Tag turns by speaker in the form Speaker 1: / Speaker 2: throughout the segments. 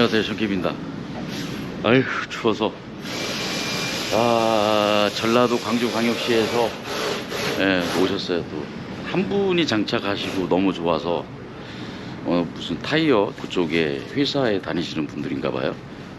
Speaker 1: 안녕하세요, 정기입니다. 아휴, 추워서. 전라도 광주광역시에서 오셨어요. 또 한 분이 장착하시고 너무 좋아서 무슨 타이어 그쪽에 회사에 다니시는 분들인가 봐요.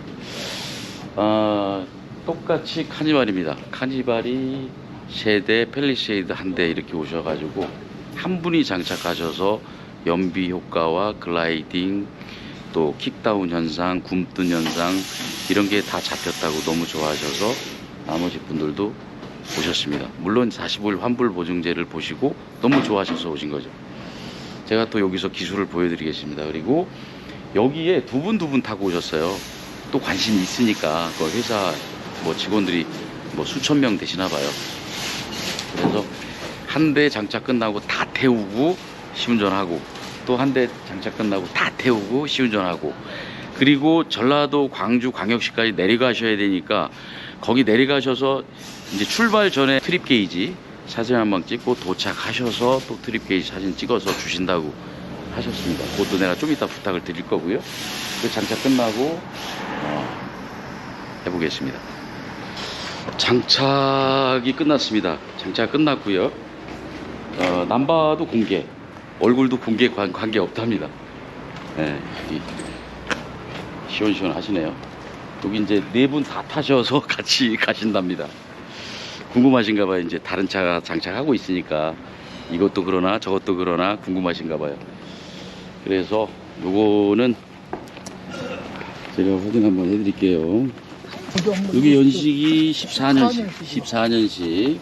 Speaker 1: 똑같이 카니발입니다. 카니발이 3대, 펠리세이드 1대 이렇게 오셔가지고 한 분이 장착하셔서 연비 효과와 글라이딩, 또 킥다운 현상, 굼뜬 현상 이런 게 다 잡혔다고 너무 좋아하셔서 나머지 분들도 오셨습니다. 물론 45일 환불 보증제를 보시고 너무 좋아하셔서 오신 거죠. 제가 또 여기서 기술을 보여드리겠습니다. 그리고 여기에 두 분 타고 오셨어요. 또 관심이 있으니까 그 회사 뭐 직원들이 뭐 수천 명 되시나 봐요. 그래서 한 대 장착 끝나고 다 태우고 시운전하고, 또 한 대 장착 끝나고 다 태우고 시운전하고, 그리고 전라도 광주 광역시까지 내려가셔야 되니까 거기 내려가셔서 이제 출발 전에 트립 게이지 사진 한번 찍고 도착하셔서 또 트립 게이지 사진 찍어서 주신다고 하셨습니다. 그것도 내가 좀 이따 부탁을 드릴 거고요. 그 장착 끝나고 해보겠습니다. 장착이 끝났습니다. 장착 끝났고요. 남바도 공개, 얼굴도 공개 관계 없답니다. 시원시원 하시네요. 여기 이제 4분 다 타셔서 같이 가신답니다. 궁금하신가 봐요. 이제 다른 차가 장착하고 있으니까 이것도 그러나 저것도 그러나 궁금하신가 봐요. 그래서 요거는 제가 확인 한번 해드릴게요. 여기 연식이 14년식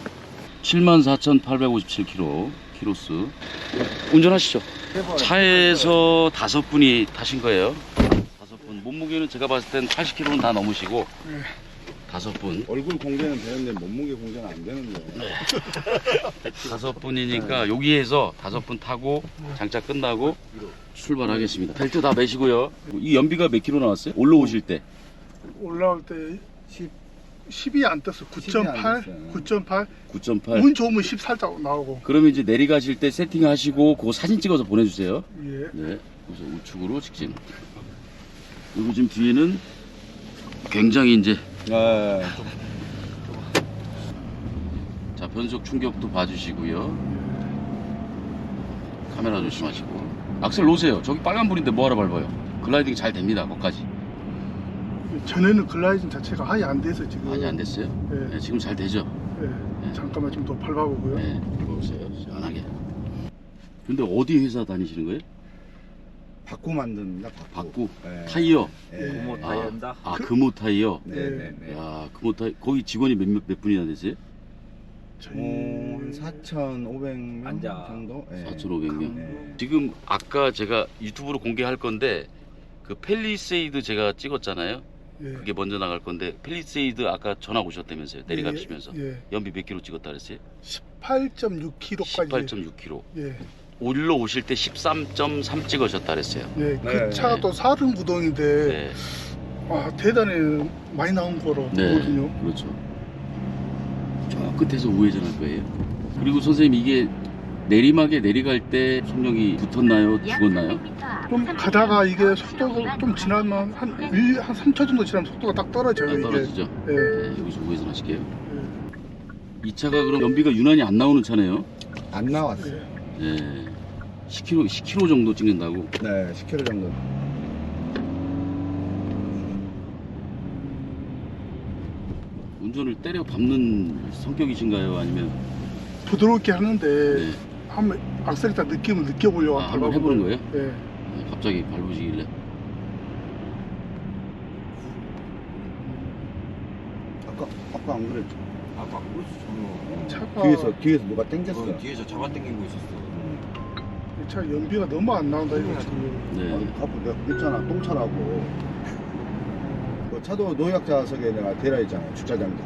Speaker 1: 74,857km 키로수. 운전하시죠. 차에서 5분이 타신 거예요. 5분. 몸무게는 제가 봤을 땐 80kg는 다 넘으시고 5분.
Speaker 2: 얼굴 공개는 되는데 몸무게 공개는 안 되는데.
Speaker 1: 5분이니까 여기에서 5분 타고 장착 끝나고 출발하겠습니다. 벨트 다 매시고요. 이 연비가 몇 킬로 나왔어요? 올라오실 때?
Speaker 3: 올라올 때 10이 안 떴어. 9.8, 9.8.
Speaker 1: 9.8.
Speaker 3: 운 좋으면 10 살짝 나오고.
Speaker 1: 그러면 이제 내려가실 때 세팅하시고 그거 사진 찍어서 보내주세요.
Speaker 3: 예.
Speaker 1: 네. 그래서 우측으로 직진. 그리고 지금 뒤에는 굉장히 이제 자, 변속 충격도 봐주시고요. 카메라 조심하시고. 악셀 놓으세요. 저기 빨간불인데 뭐하러 밟아요? 글라이딩 잘 됩니다. 거기까지.
Speaker 3: 전에는 글라이딩 자체가 아예 안 돼서 지금.
Speaker 1: 아직 안 됐어요?
Speaker 3: 예.
Speaker 1: 네, 지금 잘 되죠?
Speaker 3: 예.
Speaker 1: 네.
Speaker 3: 잠깐만 좀 더 밟아보고요.
Speaker 1: 네, 보세요. 시원하게. 근데 어디 회사 다니시는 거예요?
Speaker 2: 바꾸 만듭니다.
Speaker 1: 바꾸?
Speaker 2: 네.
Speaker 1: 타이어?
Speaker 2: 네.
Speaker 4: 금호 타이어입니다.
Speaker 1: 금호 타이어?
Speaker 2: 네네네.
Speaker 1: 야, 금호 타이어. 거기 직원이 몇 분이나 되세요?
Speaker 2: 한 4,500명
Speaker 4: 앉아.
Speaker 2: 정도? 네.
Speaker 1: 4,500명?
Speaker 2: 네.
Speaker 1: 지금 아까 제가 유튜브로 공개할 건데 그 펠리세이드 제가 찍었잖아요.
Speaker 3: 예.
Speaker 1: 그게 먼저 나갈 건데 펠리세이드 아까 전화 오셨다면서요. 내려가시면서.
Speaker 3: 예.
Speaker 1: 연비 몇 킬로 찍었다 그랬어요?
Speaker 3: 18.6kg까지.
Speaker 1: 18.6km.
Speaker 3: 예.
Speaker 1: 올라 오실 때 13.3 찍으셨다 그랬어요.
Speaker 3: 예. 그
Speaker 2: 네.
Speaker 3: 차가 또 40구동인데
Speaker 1: 네.
Speaker 3: 대단히 많이 나온 거로 보거든요.
Speaker 1: 그렇죠. 저 끝에서 우회전할 거예요. 그리고 선생님, 이게 내리막에 내려갈 때 속력이 붙었나요? 죽었나요?
Speaker 3: 좀 가다가 이게 속도가 좀 지나면 한 3초 정도 지나면 속도가 딱 떨어져요. 이게.
Speaker 1: 떨어지죠?
Speaker 3: 예.
Speaker 1: 네, 여기서 우회전 하실게요.
Speaker 3: 예.
Speaker 1: 이 차가 그럼 연비가 유난히 안 나오는 차네요?
Speaker 2: 안 나왔어요.
Speaker 1: 네. 10km 정도 찍는다고?
Speaker 2: 네, 10km 정도.
Speaker 1: 운전을 때려 밟는 성격이신가요? 아니면?
Speaker 3: 부드럽게 하는데
Speaker 1: 네.
Speaker 3: 한번 악셀 딱 느낌을 느껴보려고
Speaker 1: 한번 해보는 거예요?
Speaker 3: 예.
Speaker 1: 네, 갑자기 밟으시길래.
Speaker 2: 아까 안 그랬죠?
Speaker 4: 아까 그랬어.
Speaker 3: 차가
Speaker 2: 뒤에서 누가 땡겼어.
Speaker 4: 뒤에서 잡아당기고 있었어.
Speaker 3: 이 차 연비가 너무 안 나온다 이거 지금.
Speaker 1: 네.
Speaker 2: 아까 내가 그랬잖아, 똥차라고. 그 차도 노약자석에 내가 데려있잖아, 주차장도.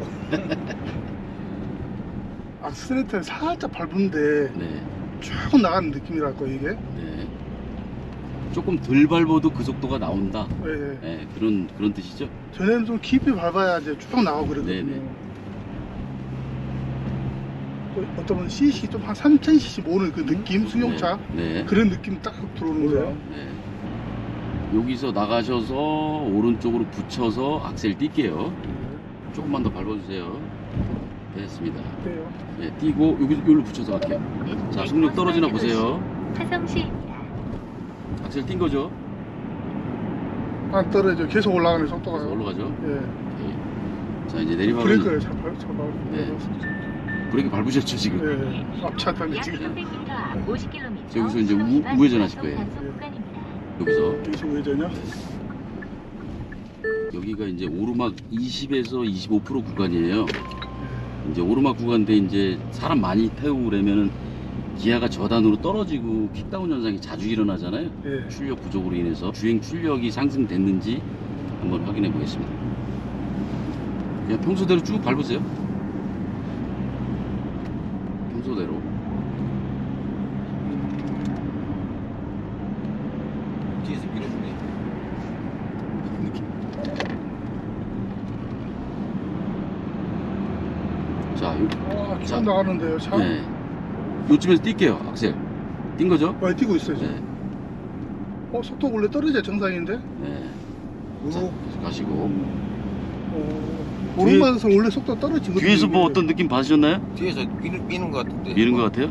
Speaker 3: 악셀레이터를 살짝 밟은데
Speaker 1: 네.
Speaker 3: 쭉 나가는 느낌이랄까 이게.
Speaker 1: 네. 조금 덜 밟아도 그 속도가 나온다.
Speaker 3: 예, 예.
Speaker 1: 네, 그런 뜻이죠?
Speaker 3: 전에는 좀 깊이 밟아야 이제 쭉 나가고 그러거든요.
Speaker 1: 네네.
Speaker 3: 또 어떤 분은 CC 좀 한 3000cc 모는 그 느낌, 승용차
Speaker 1: 네.
Speaker 3: 그런 느낌 딱 들어오는 거예요.
Speaker 1: 네. 여기서 나가셔서 오른쪽으로 붙여서 악셀 뛸게요. 조금만 더 밟아주세요. 됐습니다.
Speaker 3: 돼요.
Speaker 1: 예, 띄고 여기로 붙여서 갈게요. 자, 속력 떨어지나 보세요.
Speaker 5: 화성시입니다.
Speaker 1: 악셀 띈 거죠?
Speaker 3: 안 떨어져. 계속 올라가는 속도가.
Speaker 1: 그래서 올라가죠.
Speaker 3: 예.
Speaker 1: 오케이. 자, 이제 내리막은
Speaker 3: 브레이크를 잡아요.
Speaker 1: 네. 브레이크 밟으셨죠 지금?
Speaker 3: 예. 앞차 때문에
Speaker 5: 약
Speaker 3: 지금
Speaker 5: 300m 앞 50km.
Speaker 1: 여기서 이제 우회전하실 거예요. 여기서
Speaker 3: 여기서 우회전이요?
Speaker 1: 여기가 이제 오르막 20에서 25% 구간이에요. 이제 오르막 구간인데 이제 사람 많이 태우고 그러면은 기아가 저단으로 떨어지고 킥다운 현상이 자주 일어나잖아요.
Speaker 3: 예.
Speaker 1: 출력 부족으로 인해서 주행 출력이 상승됐는지 한번 확인해 보겠습니다. 그냥 평소대로 쭉 밟으세요. 평소대로.
Speaker 4: 뒤에서 밀어주네.
Speaker 1: 자,
Speaker 3: 와,
Speaker 1: 자.
Speaker 3: 쭉 나가는데요, 차?
Speaker 1: 네. 요쯤에서 뛸게요, 악셀. 뛴 거죠?
Speaker 3: 많이 뛰고 있어요, 지금.
Speaker 1: 네.
Speaker 3: 속도 원래 떨어져야 정상인데?
Speaker 1: 네. 자,
Speaker 2: 우.
Speaker 1: 계속 가시고.
Speaker 3: 오른반에서 원래 속도 떨어지거든요.
Speaker 1: 뒤에서 뭐
Speaker 3: 이게.
Speaker 1: 어떤 느낌 받으셨나요?
Speaker 4: 뒤에서 미는 것 같은데.
Speaker 1: 미는 것 같아요?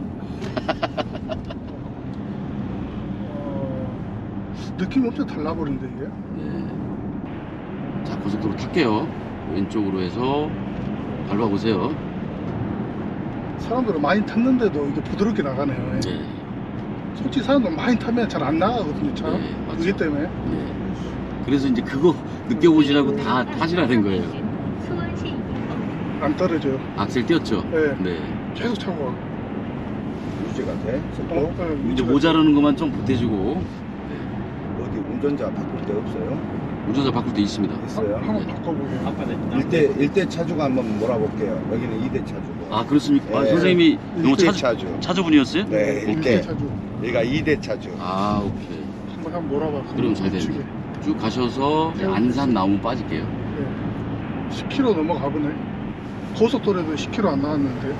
Speaker 3: 느낌이 엄청 달라버린데, 이게?
Speaker 1: 네. 자, 고속도로 탈게요. 왼쪽으로 해서 밟아보세요.
Speaker 3: 사람들은 많이 탔는데도 이게 부드럽게 나가네요.
Speaker 1: 네.
Speaker 3: 솔직히 사람들 많이 타면 잘 안 나가거든요, 차.
Speaker 1: 네, 맞죠.
Speaker 3: 그게 때문에.
Speaker 1: 네. 그래서 이제 그거 느껴보시라고 다 타시라는 거예요.
Speaker 5: 수원시입니다.
Speaker 3: 안 떨어져요.
Speaker 1: 악셀 띄었죠?
Speaker 3: 네.
Speaker 1: 네.
Speaker 3: 계속 차고 와.
Speaker 2: 유지가 돼? 속도?
Speaker 1: 이제 모자라는 것만 좀 보태주고.
Speaker 2: 어디 운전자 바꿀 데 없어요?
Speaker 1: 운전자 바꿀 때 있습니다.
Speaker 2: 있어요?
Speaker 3: 한번
Speaker 1: 네.
Speaker 3: 바꿔보게요.
Speaker 2: 1대 차주가 한번 몰아볼게요. 여기는 2대 차주고.
Speaker 1: 아, 그렇습니까? 아,
Speaker 2: 네.
Speaker 1: 선생님이 너무
Speaker 2: 1대 차주.
Speaker 1: 차주분이었어요?
Speaker 2: 네,
Speaker 3: 이렇게
Speaker 2: 1대.
Speaker 3: 차주.
Speaker 2: 여기가 2대 차주.
Speaker 1: 아, 오케이.
Speaker 3: 한번 몰아봐.
Speaker 1: 그럼 잘
Speaker 3: 우측에.
Speaker 1: 되네. 쭉 가셔서 이제 안산 나무 빠질게요.
Speaker 3: 네. 10km 넘어가 보네. 고속도로에도 10km 안 나왔는데.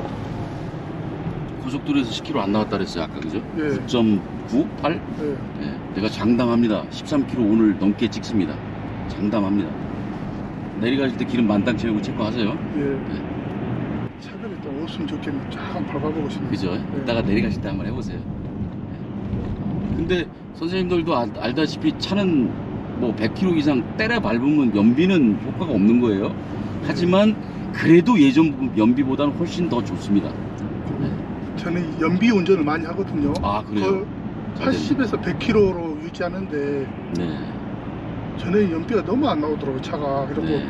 Speaker 1: 고속도로에서 10km 안 나왔다 그랬어요, 아까 그죠?
Speaker 3: 예.
Speaker 1: 9.98?
Speaker 3: 네.
Speaker 1: 네, 내가 장담합니다. 13km 오늘 넘게 찍습니다. 장담합니다. 내려가실 때 기름 만땅 채우고 체크하세요.
Speaker 3: 예. 차들이 또 없으면 좋겠네. 쫙 밟아보고 싶네.
Speaker 1: 그죠?
Speaker 3: 네.
Speaker 1: 이따가 내려가실 때 한번 해보세요. 네. 근데 선생님들도 알다시피 차는 뭐 100km 이상 때려 밟으면 연비는 효과가 없는 거예요. 하지만 그래도 예전 연비보다는 훨씬 더 좋습니다. 네.
Speaker 3: 저는 연비 운전을 많이 하거든요.
Speaker 1: 아, 그래요? 잘 됐네.
Speaker 3: 80에서 100km로 유지하는데
Speaker 1: 네.
Speaker 3: 전에 연비가 너무 안 나오더라고요, 차가. 그리고
Speaker 1: 네.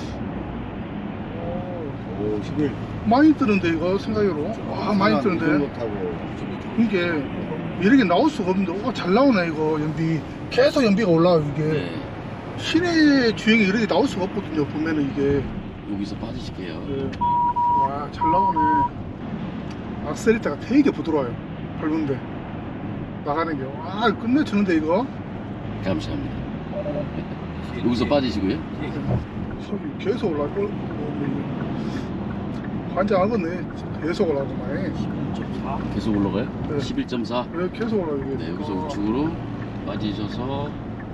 Speaker 2: 오, 11.
Speaker 3: 많이 뜨는데 이거 생각으로. 와, 많이 뜨는데.
Speaker 2: 못하고.
Speaker 3: 이게 이렇게 나올 수가 없는데 잘 나오네 이거 연비. 계속 연비가 올라와요 이게.
Speaker 1: 네.
Speaker 3: 시내 주행이 이렇게 나올 수가 없거든요 보면은 이게.
Speaker 1: 여기서 빠지실게요.
Speaker 3: 네. 와, 잘 나오네. 악셀리터가 되게 부드러워요. 밟은데 나가는 게. 와, 끝내주는데 이거.
Speaker 1: 감사합니다. 여기서 빠지시고요.
Speaker 3: 속이 계속 올라가고. 환장하겠네. 계속 올라가네.
Speaker 1: 계속 올라가요?
Speaker 3: 네.
Speaker 1: 11.4.
Speaker 3: 왜 계속 올라가게?
Speaker 1: 네, 여기서 우측으로 빠지셔서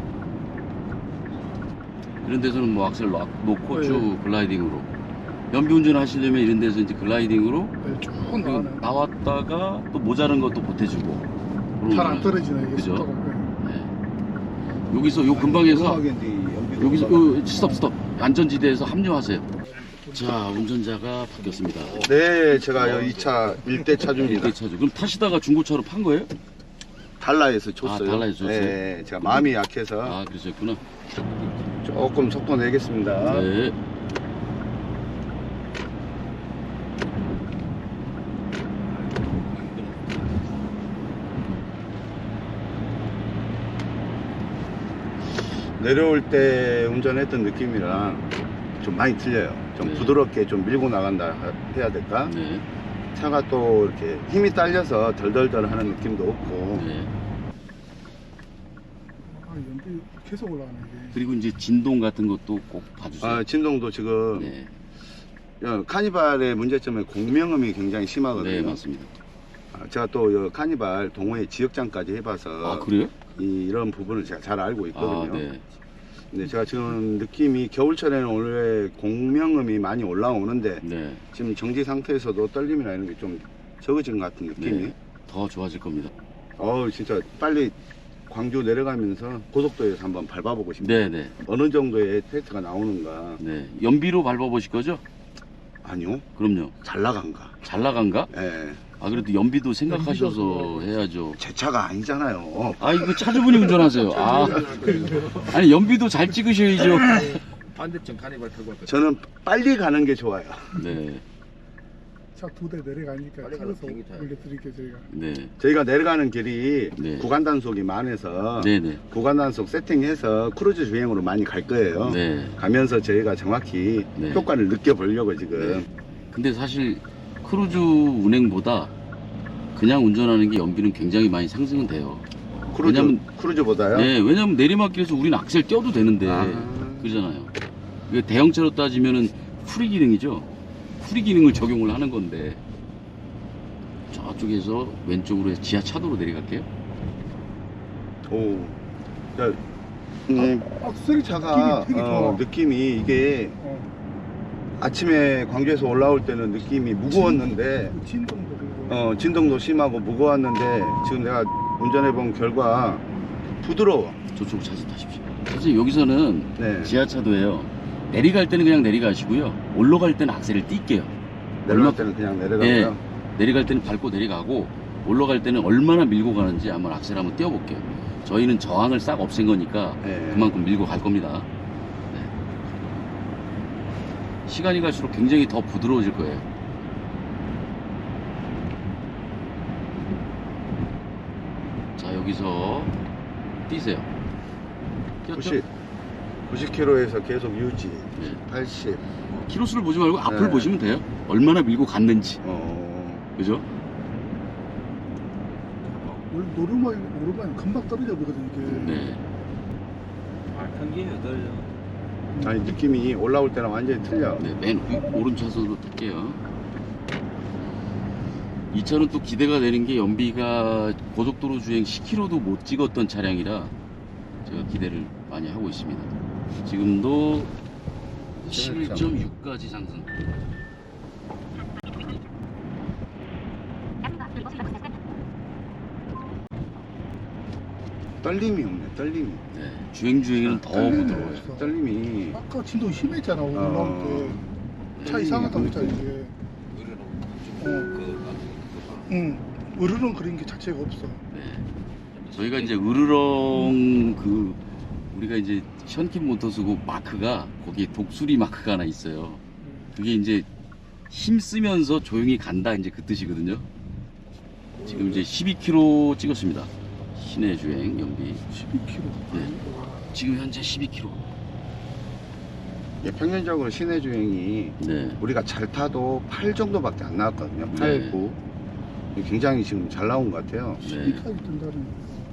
Speaker 1: 이런 데서는 뭐 악셀 놓고
Speaker 3: 네.
Speaker 1: 쭉 글라이딩으로 연비 운전 하시려면 이런 데서 이제 글라이딩으로
Speaker 3: 네, 쭉
Speaker 1: 그리고
Speaker 3: 나가네.
Speaker 1: 나왔다가 또 모자란 것도 보태주고
Speaker 3: 잘 안 떨어지네 이게
Speaker 1: 그죠?
Speaker 3: 속도가. 네.
Speaker 1: 네. 여기서 요 근방에서 여기서 스톱 안전지대에서 합류하세요. 자, 운전자가 바뀌었습니다.
Speaker 2: 네, 제가 이 차 1대 차주입니다.
Speaker 1: 1대 차주. 그럼 타시다가 중고차로 판 거예요?
Speaker 2: 달라에서 줬어요.
Speaker 1: 아, 달라에서 줬어요?
Speaker 2: 네, 제가 마음이 약해서
Speaker 1: 아, 그러셨구나.
Speaker 2: 조금 속도 내겠습니다.
Speaker 1: 네.
Speaker 2: 내려올 때 운전했던 느낌이랑 좀 많이 틀려요. 좀
Speaker 1: 네.
Speaker 2: 부드럽게 좀 밀고 나간다 해야 될까?
Speaker 1: 네.
Speaker 2: 차가 또 이렇게 힘이 딸려서 덜덜덜 하는 느낌도 없고.
Speaker 1: 네.
Speaker 3: 아, 연비 계속 올라가네 이게.
Speaker 1: 그리고 이제 진동 같은 것도 꼭 봐주세요.
Speaker 2: 아, 진동도 지금
Speaker 1: 네.
Speaker 2: 카니발의 문제점은 공명음이 굉장히 심하거든요.
Speaker 1: 네, 맞습니다.
Speaker 2: 제가 또 카니발 동호회 지역장까지 해봐서
Speaker 1: 아, 그래요?
Speaker 2: 이런 부분을 제가 잘 알고 있거든요.
Speaker 1: 아, 네.
Speaker 2: 근데 제가 지금 느낌이 겨울철에는 원래 공명음이 많이 올라오는데
Speaker 1: 네.
Speaker 2: 지금 정지 상태에서도 떨림이나 이런 게 좀 적어진 것 같은 느낌이.
Speaker 1: 네. 더 좋아질 겁니다.
Speaker 2: 진짜 빨리 광주 내려가면서 고속도로에서 한번 밟아보고 싶네요.
Speaker 1: 네, 네.
Speaker 2: 어느 정도의 테스트가 나오는가.
Speaker 1: 네. 연비로 밟아보실 거죠?
Speaker 2: 아니요,
Speaker 1: 그럼요.
Speaker 2: 잘 나간가.
Speaker 1: 잘 나간가?
Speaker 2: 예.
Speaker 1: 아, 그래도 연비도 생각하셔서 해야죠.
Speaker 2: 제 차가 아니잖아요.
Speaker 1: 아, 이거 차주분이 운전하세요. 아, 아니, 연비도 잘 찍으셔야죠.
Speaker 4: 반대쪽 카니발 타고 왔거든.
Speaker 2: 저는 빨리 가는 게 좋아요.
Speaker 1: 네.
Speaker 3: 차 2대 내려가니까
Speaker 4: 빨리
Speaker 3: 차에서
Speaker 4: 가서 비행기 타요.
Speaker 3: 올려드릴게요 저희가.
Speaker 1: 네.
Speaker 2: 저희가 내려가는 길이
Speaker 1: 네.
Speaker 2: 구간 단속이 많아서
Speaker 1: 네네.
Speaker 2: 구간 단속 세팅해서 크루즈 주행으로 많이 갈 거예요.
Speaker 1: 네.
Speaker 2: 가면서 저희가 정확히
Speaker 1: 네.
Speaker 2: 효과를 느껴보려고 지금.
Speaker 1: 근데 사실 크루즈 운행보다 그냥 운전하는 게 연비는 굉장히 많이 상승은 돼요.
Speaker 2: 크루즈보다요?
Speaker 1: 네, 왜냐면 내리막길에서 우리는 악셀 떼어도 되는데
Speaker 2: 아.
Speaker 1: 그러잖아요. 이게 대형차로 따지면은 프리 기능이죠. 프리 기능을 적용을 하는 건데 저쪽에서 왼쪽으로 해서 지하 차도로 내려갈게요.
Speaker 2: 오. 자,
Speaker 3: 악셀이
Speaker 2: 차가
Speaker 3: 되게 좋아.
Speaker 2: 느낌이 이게 아침에 광주에서 올라올 때는 느낌이 무거웠는데
Speaker 3: 진동도 그리고
Speaker 2: 진동도 심하고 무거웠는데 지금 내가 운전해본 결과 부드러워.
Speaker 1: 저쪽으로 차서 타십시오. 사실 여기서는
Speaker 2: 네.
Speaker 1: 지하차도예요. 내려갈 때는 그냥 내려가시고요. 올라갈 때는 악셀을 뛸게요.
Speaker 2: 내려갈 때는 그냥 내려가고요.
Speaker 1: 네. 내려갈 때는 밟고 내려가고 올라갈 때는 얼마나 밀고 가는지 한번 악셀 한번 띄워볼게요. 저희는 저항을 싹 없앤 거니까
Speaker 2: 네.
Speaker 1: 그만큼 밀고 갈 겁니다. 네. 시간이 갈수록 굉장히 더 부드러워질 거예요. 자, 여기서 뛰세요. 뛰었죠?
Speaker 2: 90km에서 계속 유지.
Speaker 1: 네.
Speaker 2: 80.
Speaker 1: 키로수를 보지 말고 앞을
Speaker 2: 네.
Speaker 1: 보시면 돼요. 얼마나 밀고 갔는지. 그죠?
Speaker 3: 원래 오르막이 금방 떨어져 버거든 이게.
Speaker 1: 네.
Speaker 4: 아, 평균이 떨려.
Speaker 2: 아니 느낌이 올라올 때랑 완전히 틀려.
Speaker 1: 네, 맨 오른차선으로 탈게요. 이 차는 또 기대가 되는 게 연비가 고속도로 주행 10km도 못 찍었던 차량이라 제가 기대를 많이 하고 있습니다. 지금도 11.6까지 상승.
Speaker 2: 떨림이 없네. 떨림이.
Speaker 1: 네, 주행에는 더 부드러워요.
Speaker 2: 떨림이.
Speaker 3: 아까 진동 심했잖아 올라올 때. 차 이상하다고 했잖아 이게. 응. 으르렁 그린 게 자체가 없어.
Speaker 1: 네. 저희가 이제 으르렁 우리가 이제 션킨 모터스고 마크가 거기에 독수리 마크가 하나 있어요. 그게 이제 힘 쓰면서 조용히 간다 이제 그 뜻이거든요. 지금 이제 12km 찍었습니다. 시내 주행 연비.
Speaker 3: 12km.
Speaker 1: 네. 지금 현재 12km.
Speaker 2: 예, 평균적으로 시내 주행이
Speaker 1: 네.
Speaker 2: 우리가 잘 타도 8 정도밖에 안 나왔거든요. 8,
Speaker 1: 네.
Speaker 2: 9. 굉장히 지금 잘 나온 것 같아요.
Speaker 1: 네.
Speaker 3: 12까지 뜬다는.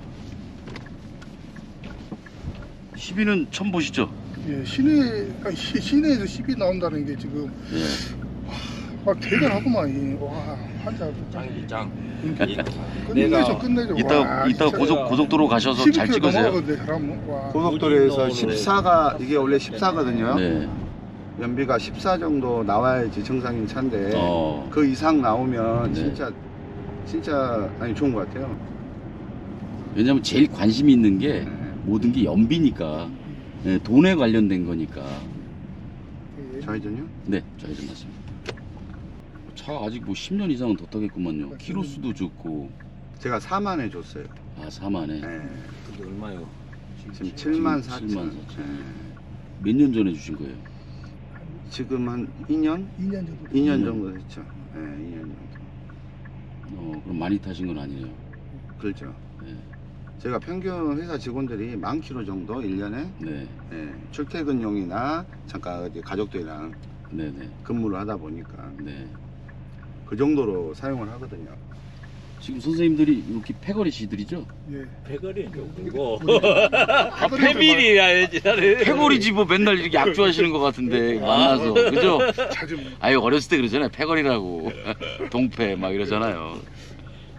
Speaker 1: 12는 처음 보시죠?
Speaker 3: 예, 시내에서 10이 나온다는 게 지금
Speaker 1: 네.
Speaker 3: 막 대단하구만. 와, 환자.
Speaker 4: 짱이지 짱.
Speaker 3: 끝내줘, 끝내줘.
Speaker 1: 이따
Speaker 3: 진짜.
Speaker 1: 고속도로 가셔서 잘
Speaker 3: 12km
Speaker 1: 찍으세요.
Speaker 3: 넘어가거든, 사람은. 와.
Speaker 2: 고속도로에서
Speaker 4: 어디
Speaker 2: 14가 이게 원래 14거든요.
Speaker 1: 네.
Speaker 2: 연비가 14 정도 나와야지 정상인 차인데
Speaker 1: 어.
Speaker 2: 그 이상 나오면
Speaker 1: 네.
Speaker 2: 진짜 아니 좋은 것 같아요.
Speaker 1: 왜냐면 제일 관심이 있는 게
Speaker 2: 네.
Speaker 1: 모든 게 연비니까. 네, 돈에 관련된 거니까.
Speaker 3: 예.
Speaker 2: 좌회전요?
Speaker 1: 네, 좌회전 맞습니다. 차 아직 뭐 10년 이상은 더 타겠구만요. 키로수도 좋고.
Speaker 2: 제가 4만에 줬어요.
Speaker 1: 아, 4만에.
Speaker 2: 네.
Speaker 4: 근데 얼마요?
Speaker 2: 지금 7만 4천.
Speaker 1: 7만 4천.
Speaker 2: 네.
Speaker 1: 몇 년 전에 주신 거예요?
Speaker 2: 지금 한 2년?
Speaker 3: 2년 정도.
Speaker 2: 2년 정도 됐죠. 네, 2년 정도.
Speaker 1: 그럼 많이 타신 건 아니네요.
Speaker 2: 그렇죠.
Speaker 1: 네.
Speaker 2: 제가 평균 회사 직원들이 10,000km 정도 1년에
Speaker 1: 네.
Speaker 2: 출퇴근용이나 잠깐 어디 가족들이랑
Speaker 1: 네네.
Speaker 2: 근무를 하다 보니까
Speaker 1: 네.
Speaker 2: 그 정도로 사용을 하거든요.
Speaker 1: 지금 선생님들이 이렇게 패거리시들이죠?
Speaker 3: 예.
Speaker 4: 배거리 그리고
Speaker 3: 패밀리야.
Speaker 1: 패거리지 뭐 맨날 이렇게 약주하시는 것 같은데 만나서 그죠?
Speaker 3: 자주.
Speaker 1: 아유 어렸을 때 그러잖아요. 패거리라고 동패 막 이러잖아요. 예.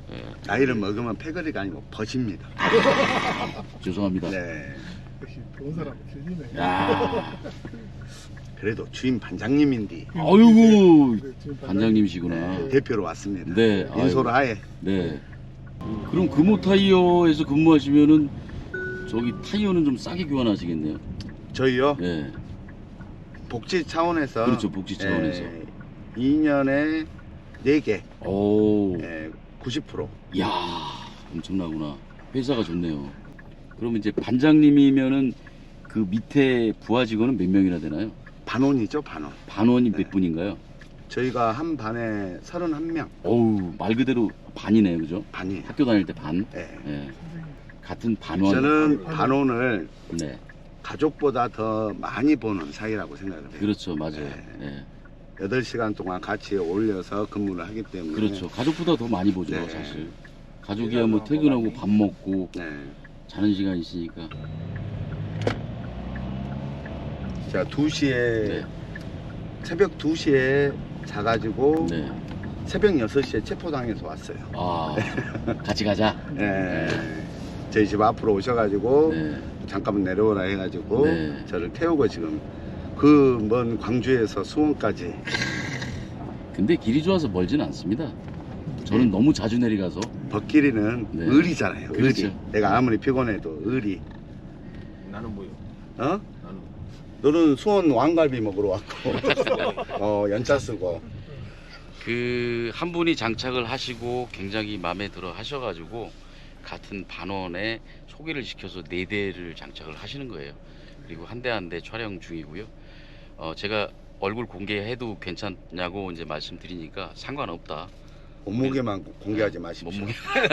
Speaker 2: 나이를 먹으면 패거리가 아니고 버십니다.
Speaker 1: 죄송합니다.
Speaker 2: 네.
Speaker 3: 역시 좋은 사람 주인이네.
Speaker 1: 야,
Speaker 2: 그래도 주임 반장님인데
Speaker 1: 아이고
Speaker 3: 네, 지금
Speaker 1: 반장님이시구나.
Speaker 2: 대표로 왔습니다.
Speaker 1: 네,
Speaker 2: 인솔 하에.
Speaker 1: 네. 그럼 금호 타이어에서 근무하시면은 저기 타이어는 좀 싸게 교환하시겠네요.
Speaker 2: 저희요
Speaker 1: 네.
Speaker 2: 복지 차원에서
Speaker 1: 그렇죠, 복지 차원에서.
Speaker 2: 2년에 4개
Speaker 1: 오,
Speaker 2: 90%.
Speaker 1: 야, 엄청나구나. 회사가 좋네요. 그러면 이제 반장님이면은 그 밑에 부하 직원은 몇 명이나 되나요?
Speaker 2: 반원이죠 반원.
Speaker 1: 반원이
Speaker 2: 네.
Speaker 1: 몇 분인가요?
Speaker 2: 저희가 한 반에 31명
Speaker 1: 어우, 말 그대로 반이네요, 그죠?
Speaker 2: 반이.
Speaker 1: 학교 다닐 때 반.
Speaker 2: 네.
Speaker 1: 예. 같은 반원.
Speaker 2: 저는 반원을
Speaker 1: 네.
Speaker 2: 가족보다 더 많이 보는 사이라고 생각을 해요.
Speaker 1: 그렇죠, 맞아요.
Speaker 2: 네.
Speaker 1: 예.
Speaker 2: 8시간 동안 같이 올려서 근무를 하기 때문에.
Speaker 1: 그렇죠. 가족보다 더 많이 보죠,
Speaker 2: 네.
Speaker 1: 사실. 가족이야 뭐 퇴근하고 밥 먹고
Speaker 2: 네.
Speaker 1: 자는 시간 있으니까.
Speaker 2: 자, 2시에
Speaker 1: 네.
Speaker 2: 새벽 2시에 자가지고
Speaker 1: 네.
Speaker 2: 새벽 6시에 체포당해서 왔어요.
Speaker 1: 아, 같이 가자.
Speaker 2: 네. 저희 집 앞으로 오셔가지고
Speaker 1: 네.
Speaker 2: 잠깐만 내려오라 해가지고
Speaker 1: 네.
Speaker 2: 저를 태우고 지금 그 먼 광주에서 수원까지.
Speaker 1: 근데 길이 좋아서 멀진 않습니다. 저는 너무 자주 내려가서.
Speaker 2: 벗길이는
Speaker 1: 네.
Speaker 2: 의리잖아요.
Speaker 1: 그렇죠.
Speaker 2: 의리. 내가 아무리 피곤해도 의리.
Speaker 4: 나는 뭐요?
Speaker 2: 어?
Speaker 4: 나는
Speaker 2: 너는 수원 왕갈비 먹으러 왔고 연차 쓰고.
Speaker 1: 그 한 분이 장착을 하시고 굉장히 마음에 들어 하셔가지고 같은 반원에 소개를 시켜서 4대를 장착을 하시는 거예요. 그리고 한 대 한 대 촬영 중이고요. 제가 얼굴 공개해도 괜찮냐고 이제 말씀드리니까 상관없다.
Speaker 2: 몸무게만 공개하지 마십시오.
Speaker 1: 몸무게.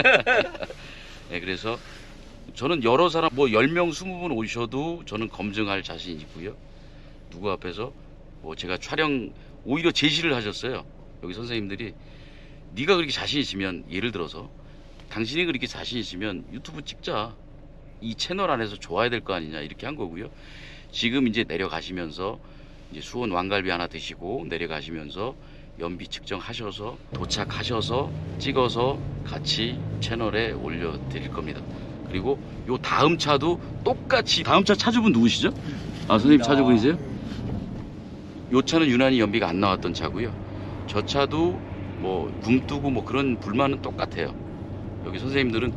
Speaker 1: 네, 그래서 저는 여러 사람 뭐 10명 20분 오셔도 저는 검증할 자신 있고요. 누구 앞에서 뭐 제가 촬영 오히려 제시를 하셨어요. 여기 선생님들이 네가 그렇게 자신 있으면, 예를 들어서 당신이 그렇게 자신 있으면 유튜브 찍자. 이 채널 안에서 좋아야 될 거 아니냐, 이렇게 한 거고요. 지금 이제 내려가시면서 이제 수원 왕갈비 하나 드시고 내려가시면서 연비 측정하셔서 도착하셔서 찍어서 같이 채널에 올려 드릴 겁니다. 그리고 요 다음 차도 똑같이, 다음 차 차주분 누구시죠? 아, 선생님 차주분이세요? 요 차는 유난히 연비가 안 나왔던 차고요. 저 차도 뭐 굼뜨고 뭐 그런 불만은 똑같아요. 여기 선생님들은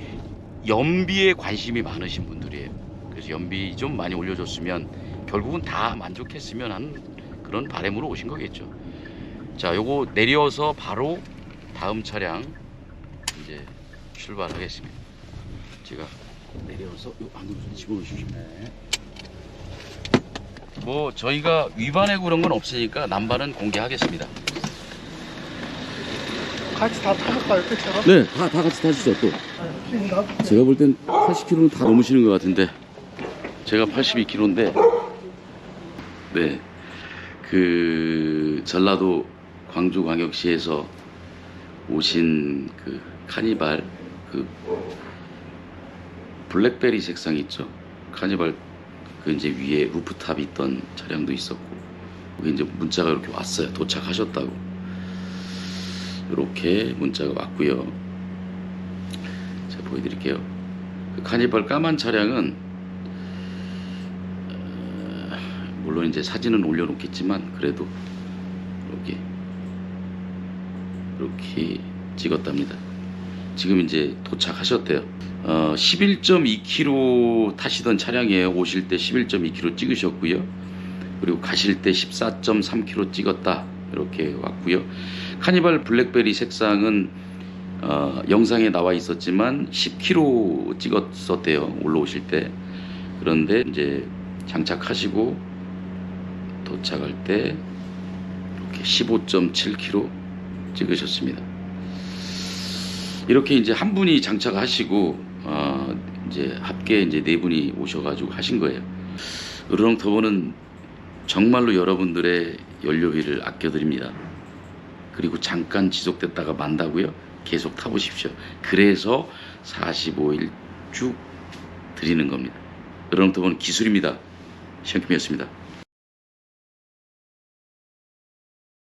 Speaker 1: 연비에 관심이 많으신 분들이에요. 그래서 연비 좀 많이 올려줬으면 결국은 다 만족했으면 하는 그런 바람으로 오신 거겠죠. 자, 요거 내려서 바로 다음 차량 이제 출발하겠습니다. 제가 내려서 요 안으로 좀 집어넣으십시오. 뭐 저희가 위반하고 그런 건 없으니까 남발은 공개하겠습니다.
Speaker 3: 같이 다 타볼까요, 끝처럼?
Speaker 1: 네, 다 같이 타시죠. 또 제가 볼 땐 80km는 다 넘으시는 것 같은데 제가 82km인데, 네, 그 전라도 광주광역시에서 오신 그 카니발 그 블랙베리 색상 있죠. 카니발 그 이제 위에 루프탑이 있던 차량도 있었고, 그게 이제 문자가 이렇게 왔어요. 도착하셨다고. 이렇게 문자가 왔고요. 제가 보여드릴게요. 그 카니발 까만 차량은 물론 이제 사진은 올려놓겠지만 그래도 이렇게 찍었답니다. 지금 이제 도착하셨대요. 11.2km 타시던 차량이에요. 오실 때 11.2km 찍으셨고요. 그리고 가실 때 14.3km 찍었다. 이렇게 왔고요. 카니발 블랙베리 색상은 영상에 나와 있었지만 10km 찍었었대요. 올라오실 때. 그런데 이제 장착하시고 도착할 때 이렇게 15.7km 찍으셨습니다. 이렇게 이제 한 분이 장착하시고 이제 합계 이제 4분이 오셔가지고 하신 거예요. 으르렁터보는 정말로 여러분들의 연료비를 아껴드립니다. 그리고 잠깐 지속됐다가 만다고요? 계속 타보십시오. 그래서 45일 쭉 드리는 겁니다. 으르렁터보는 기술입니다. 시험킴이었습니다.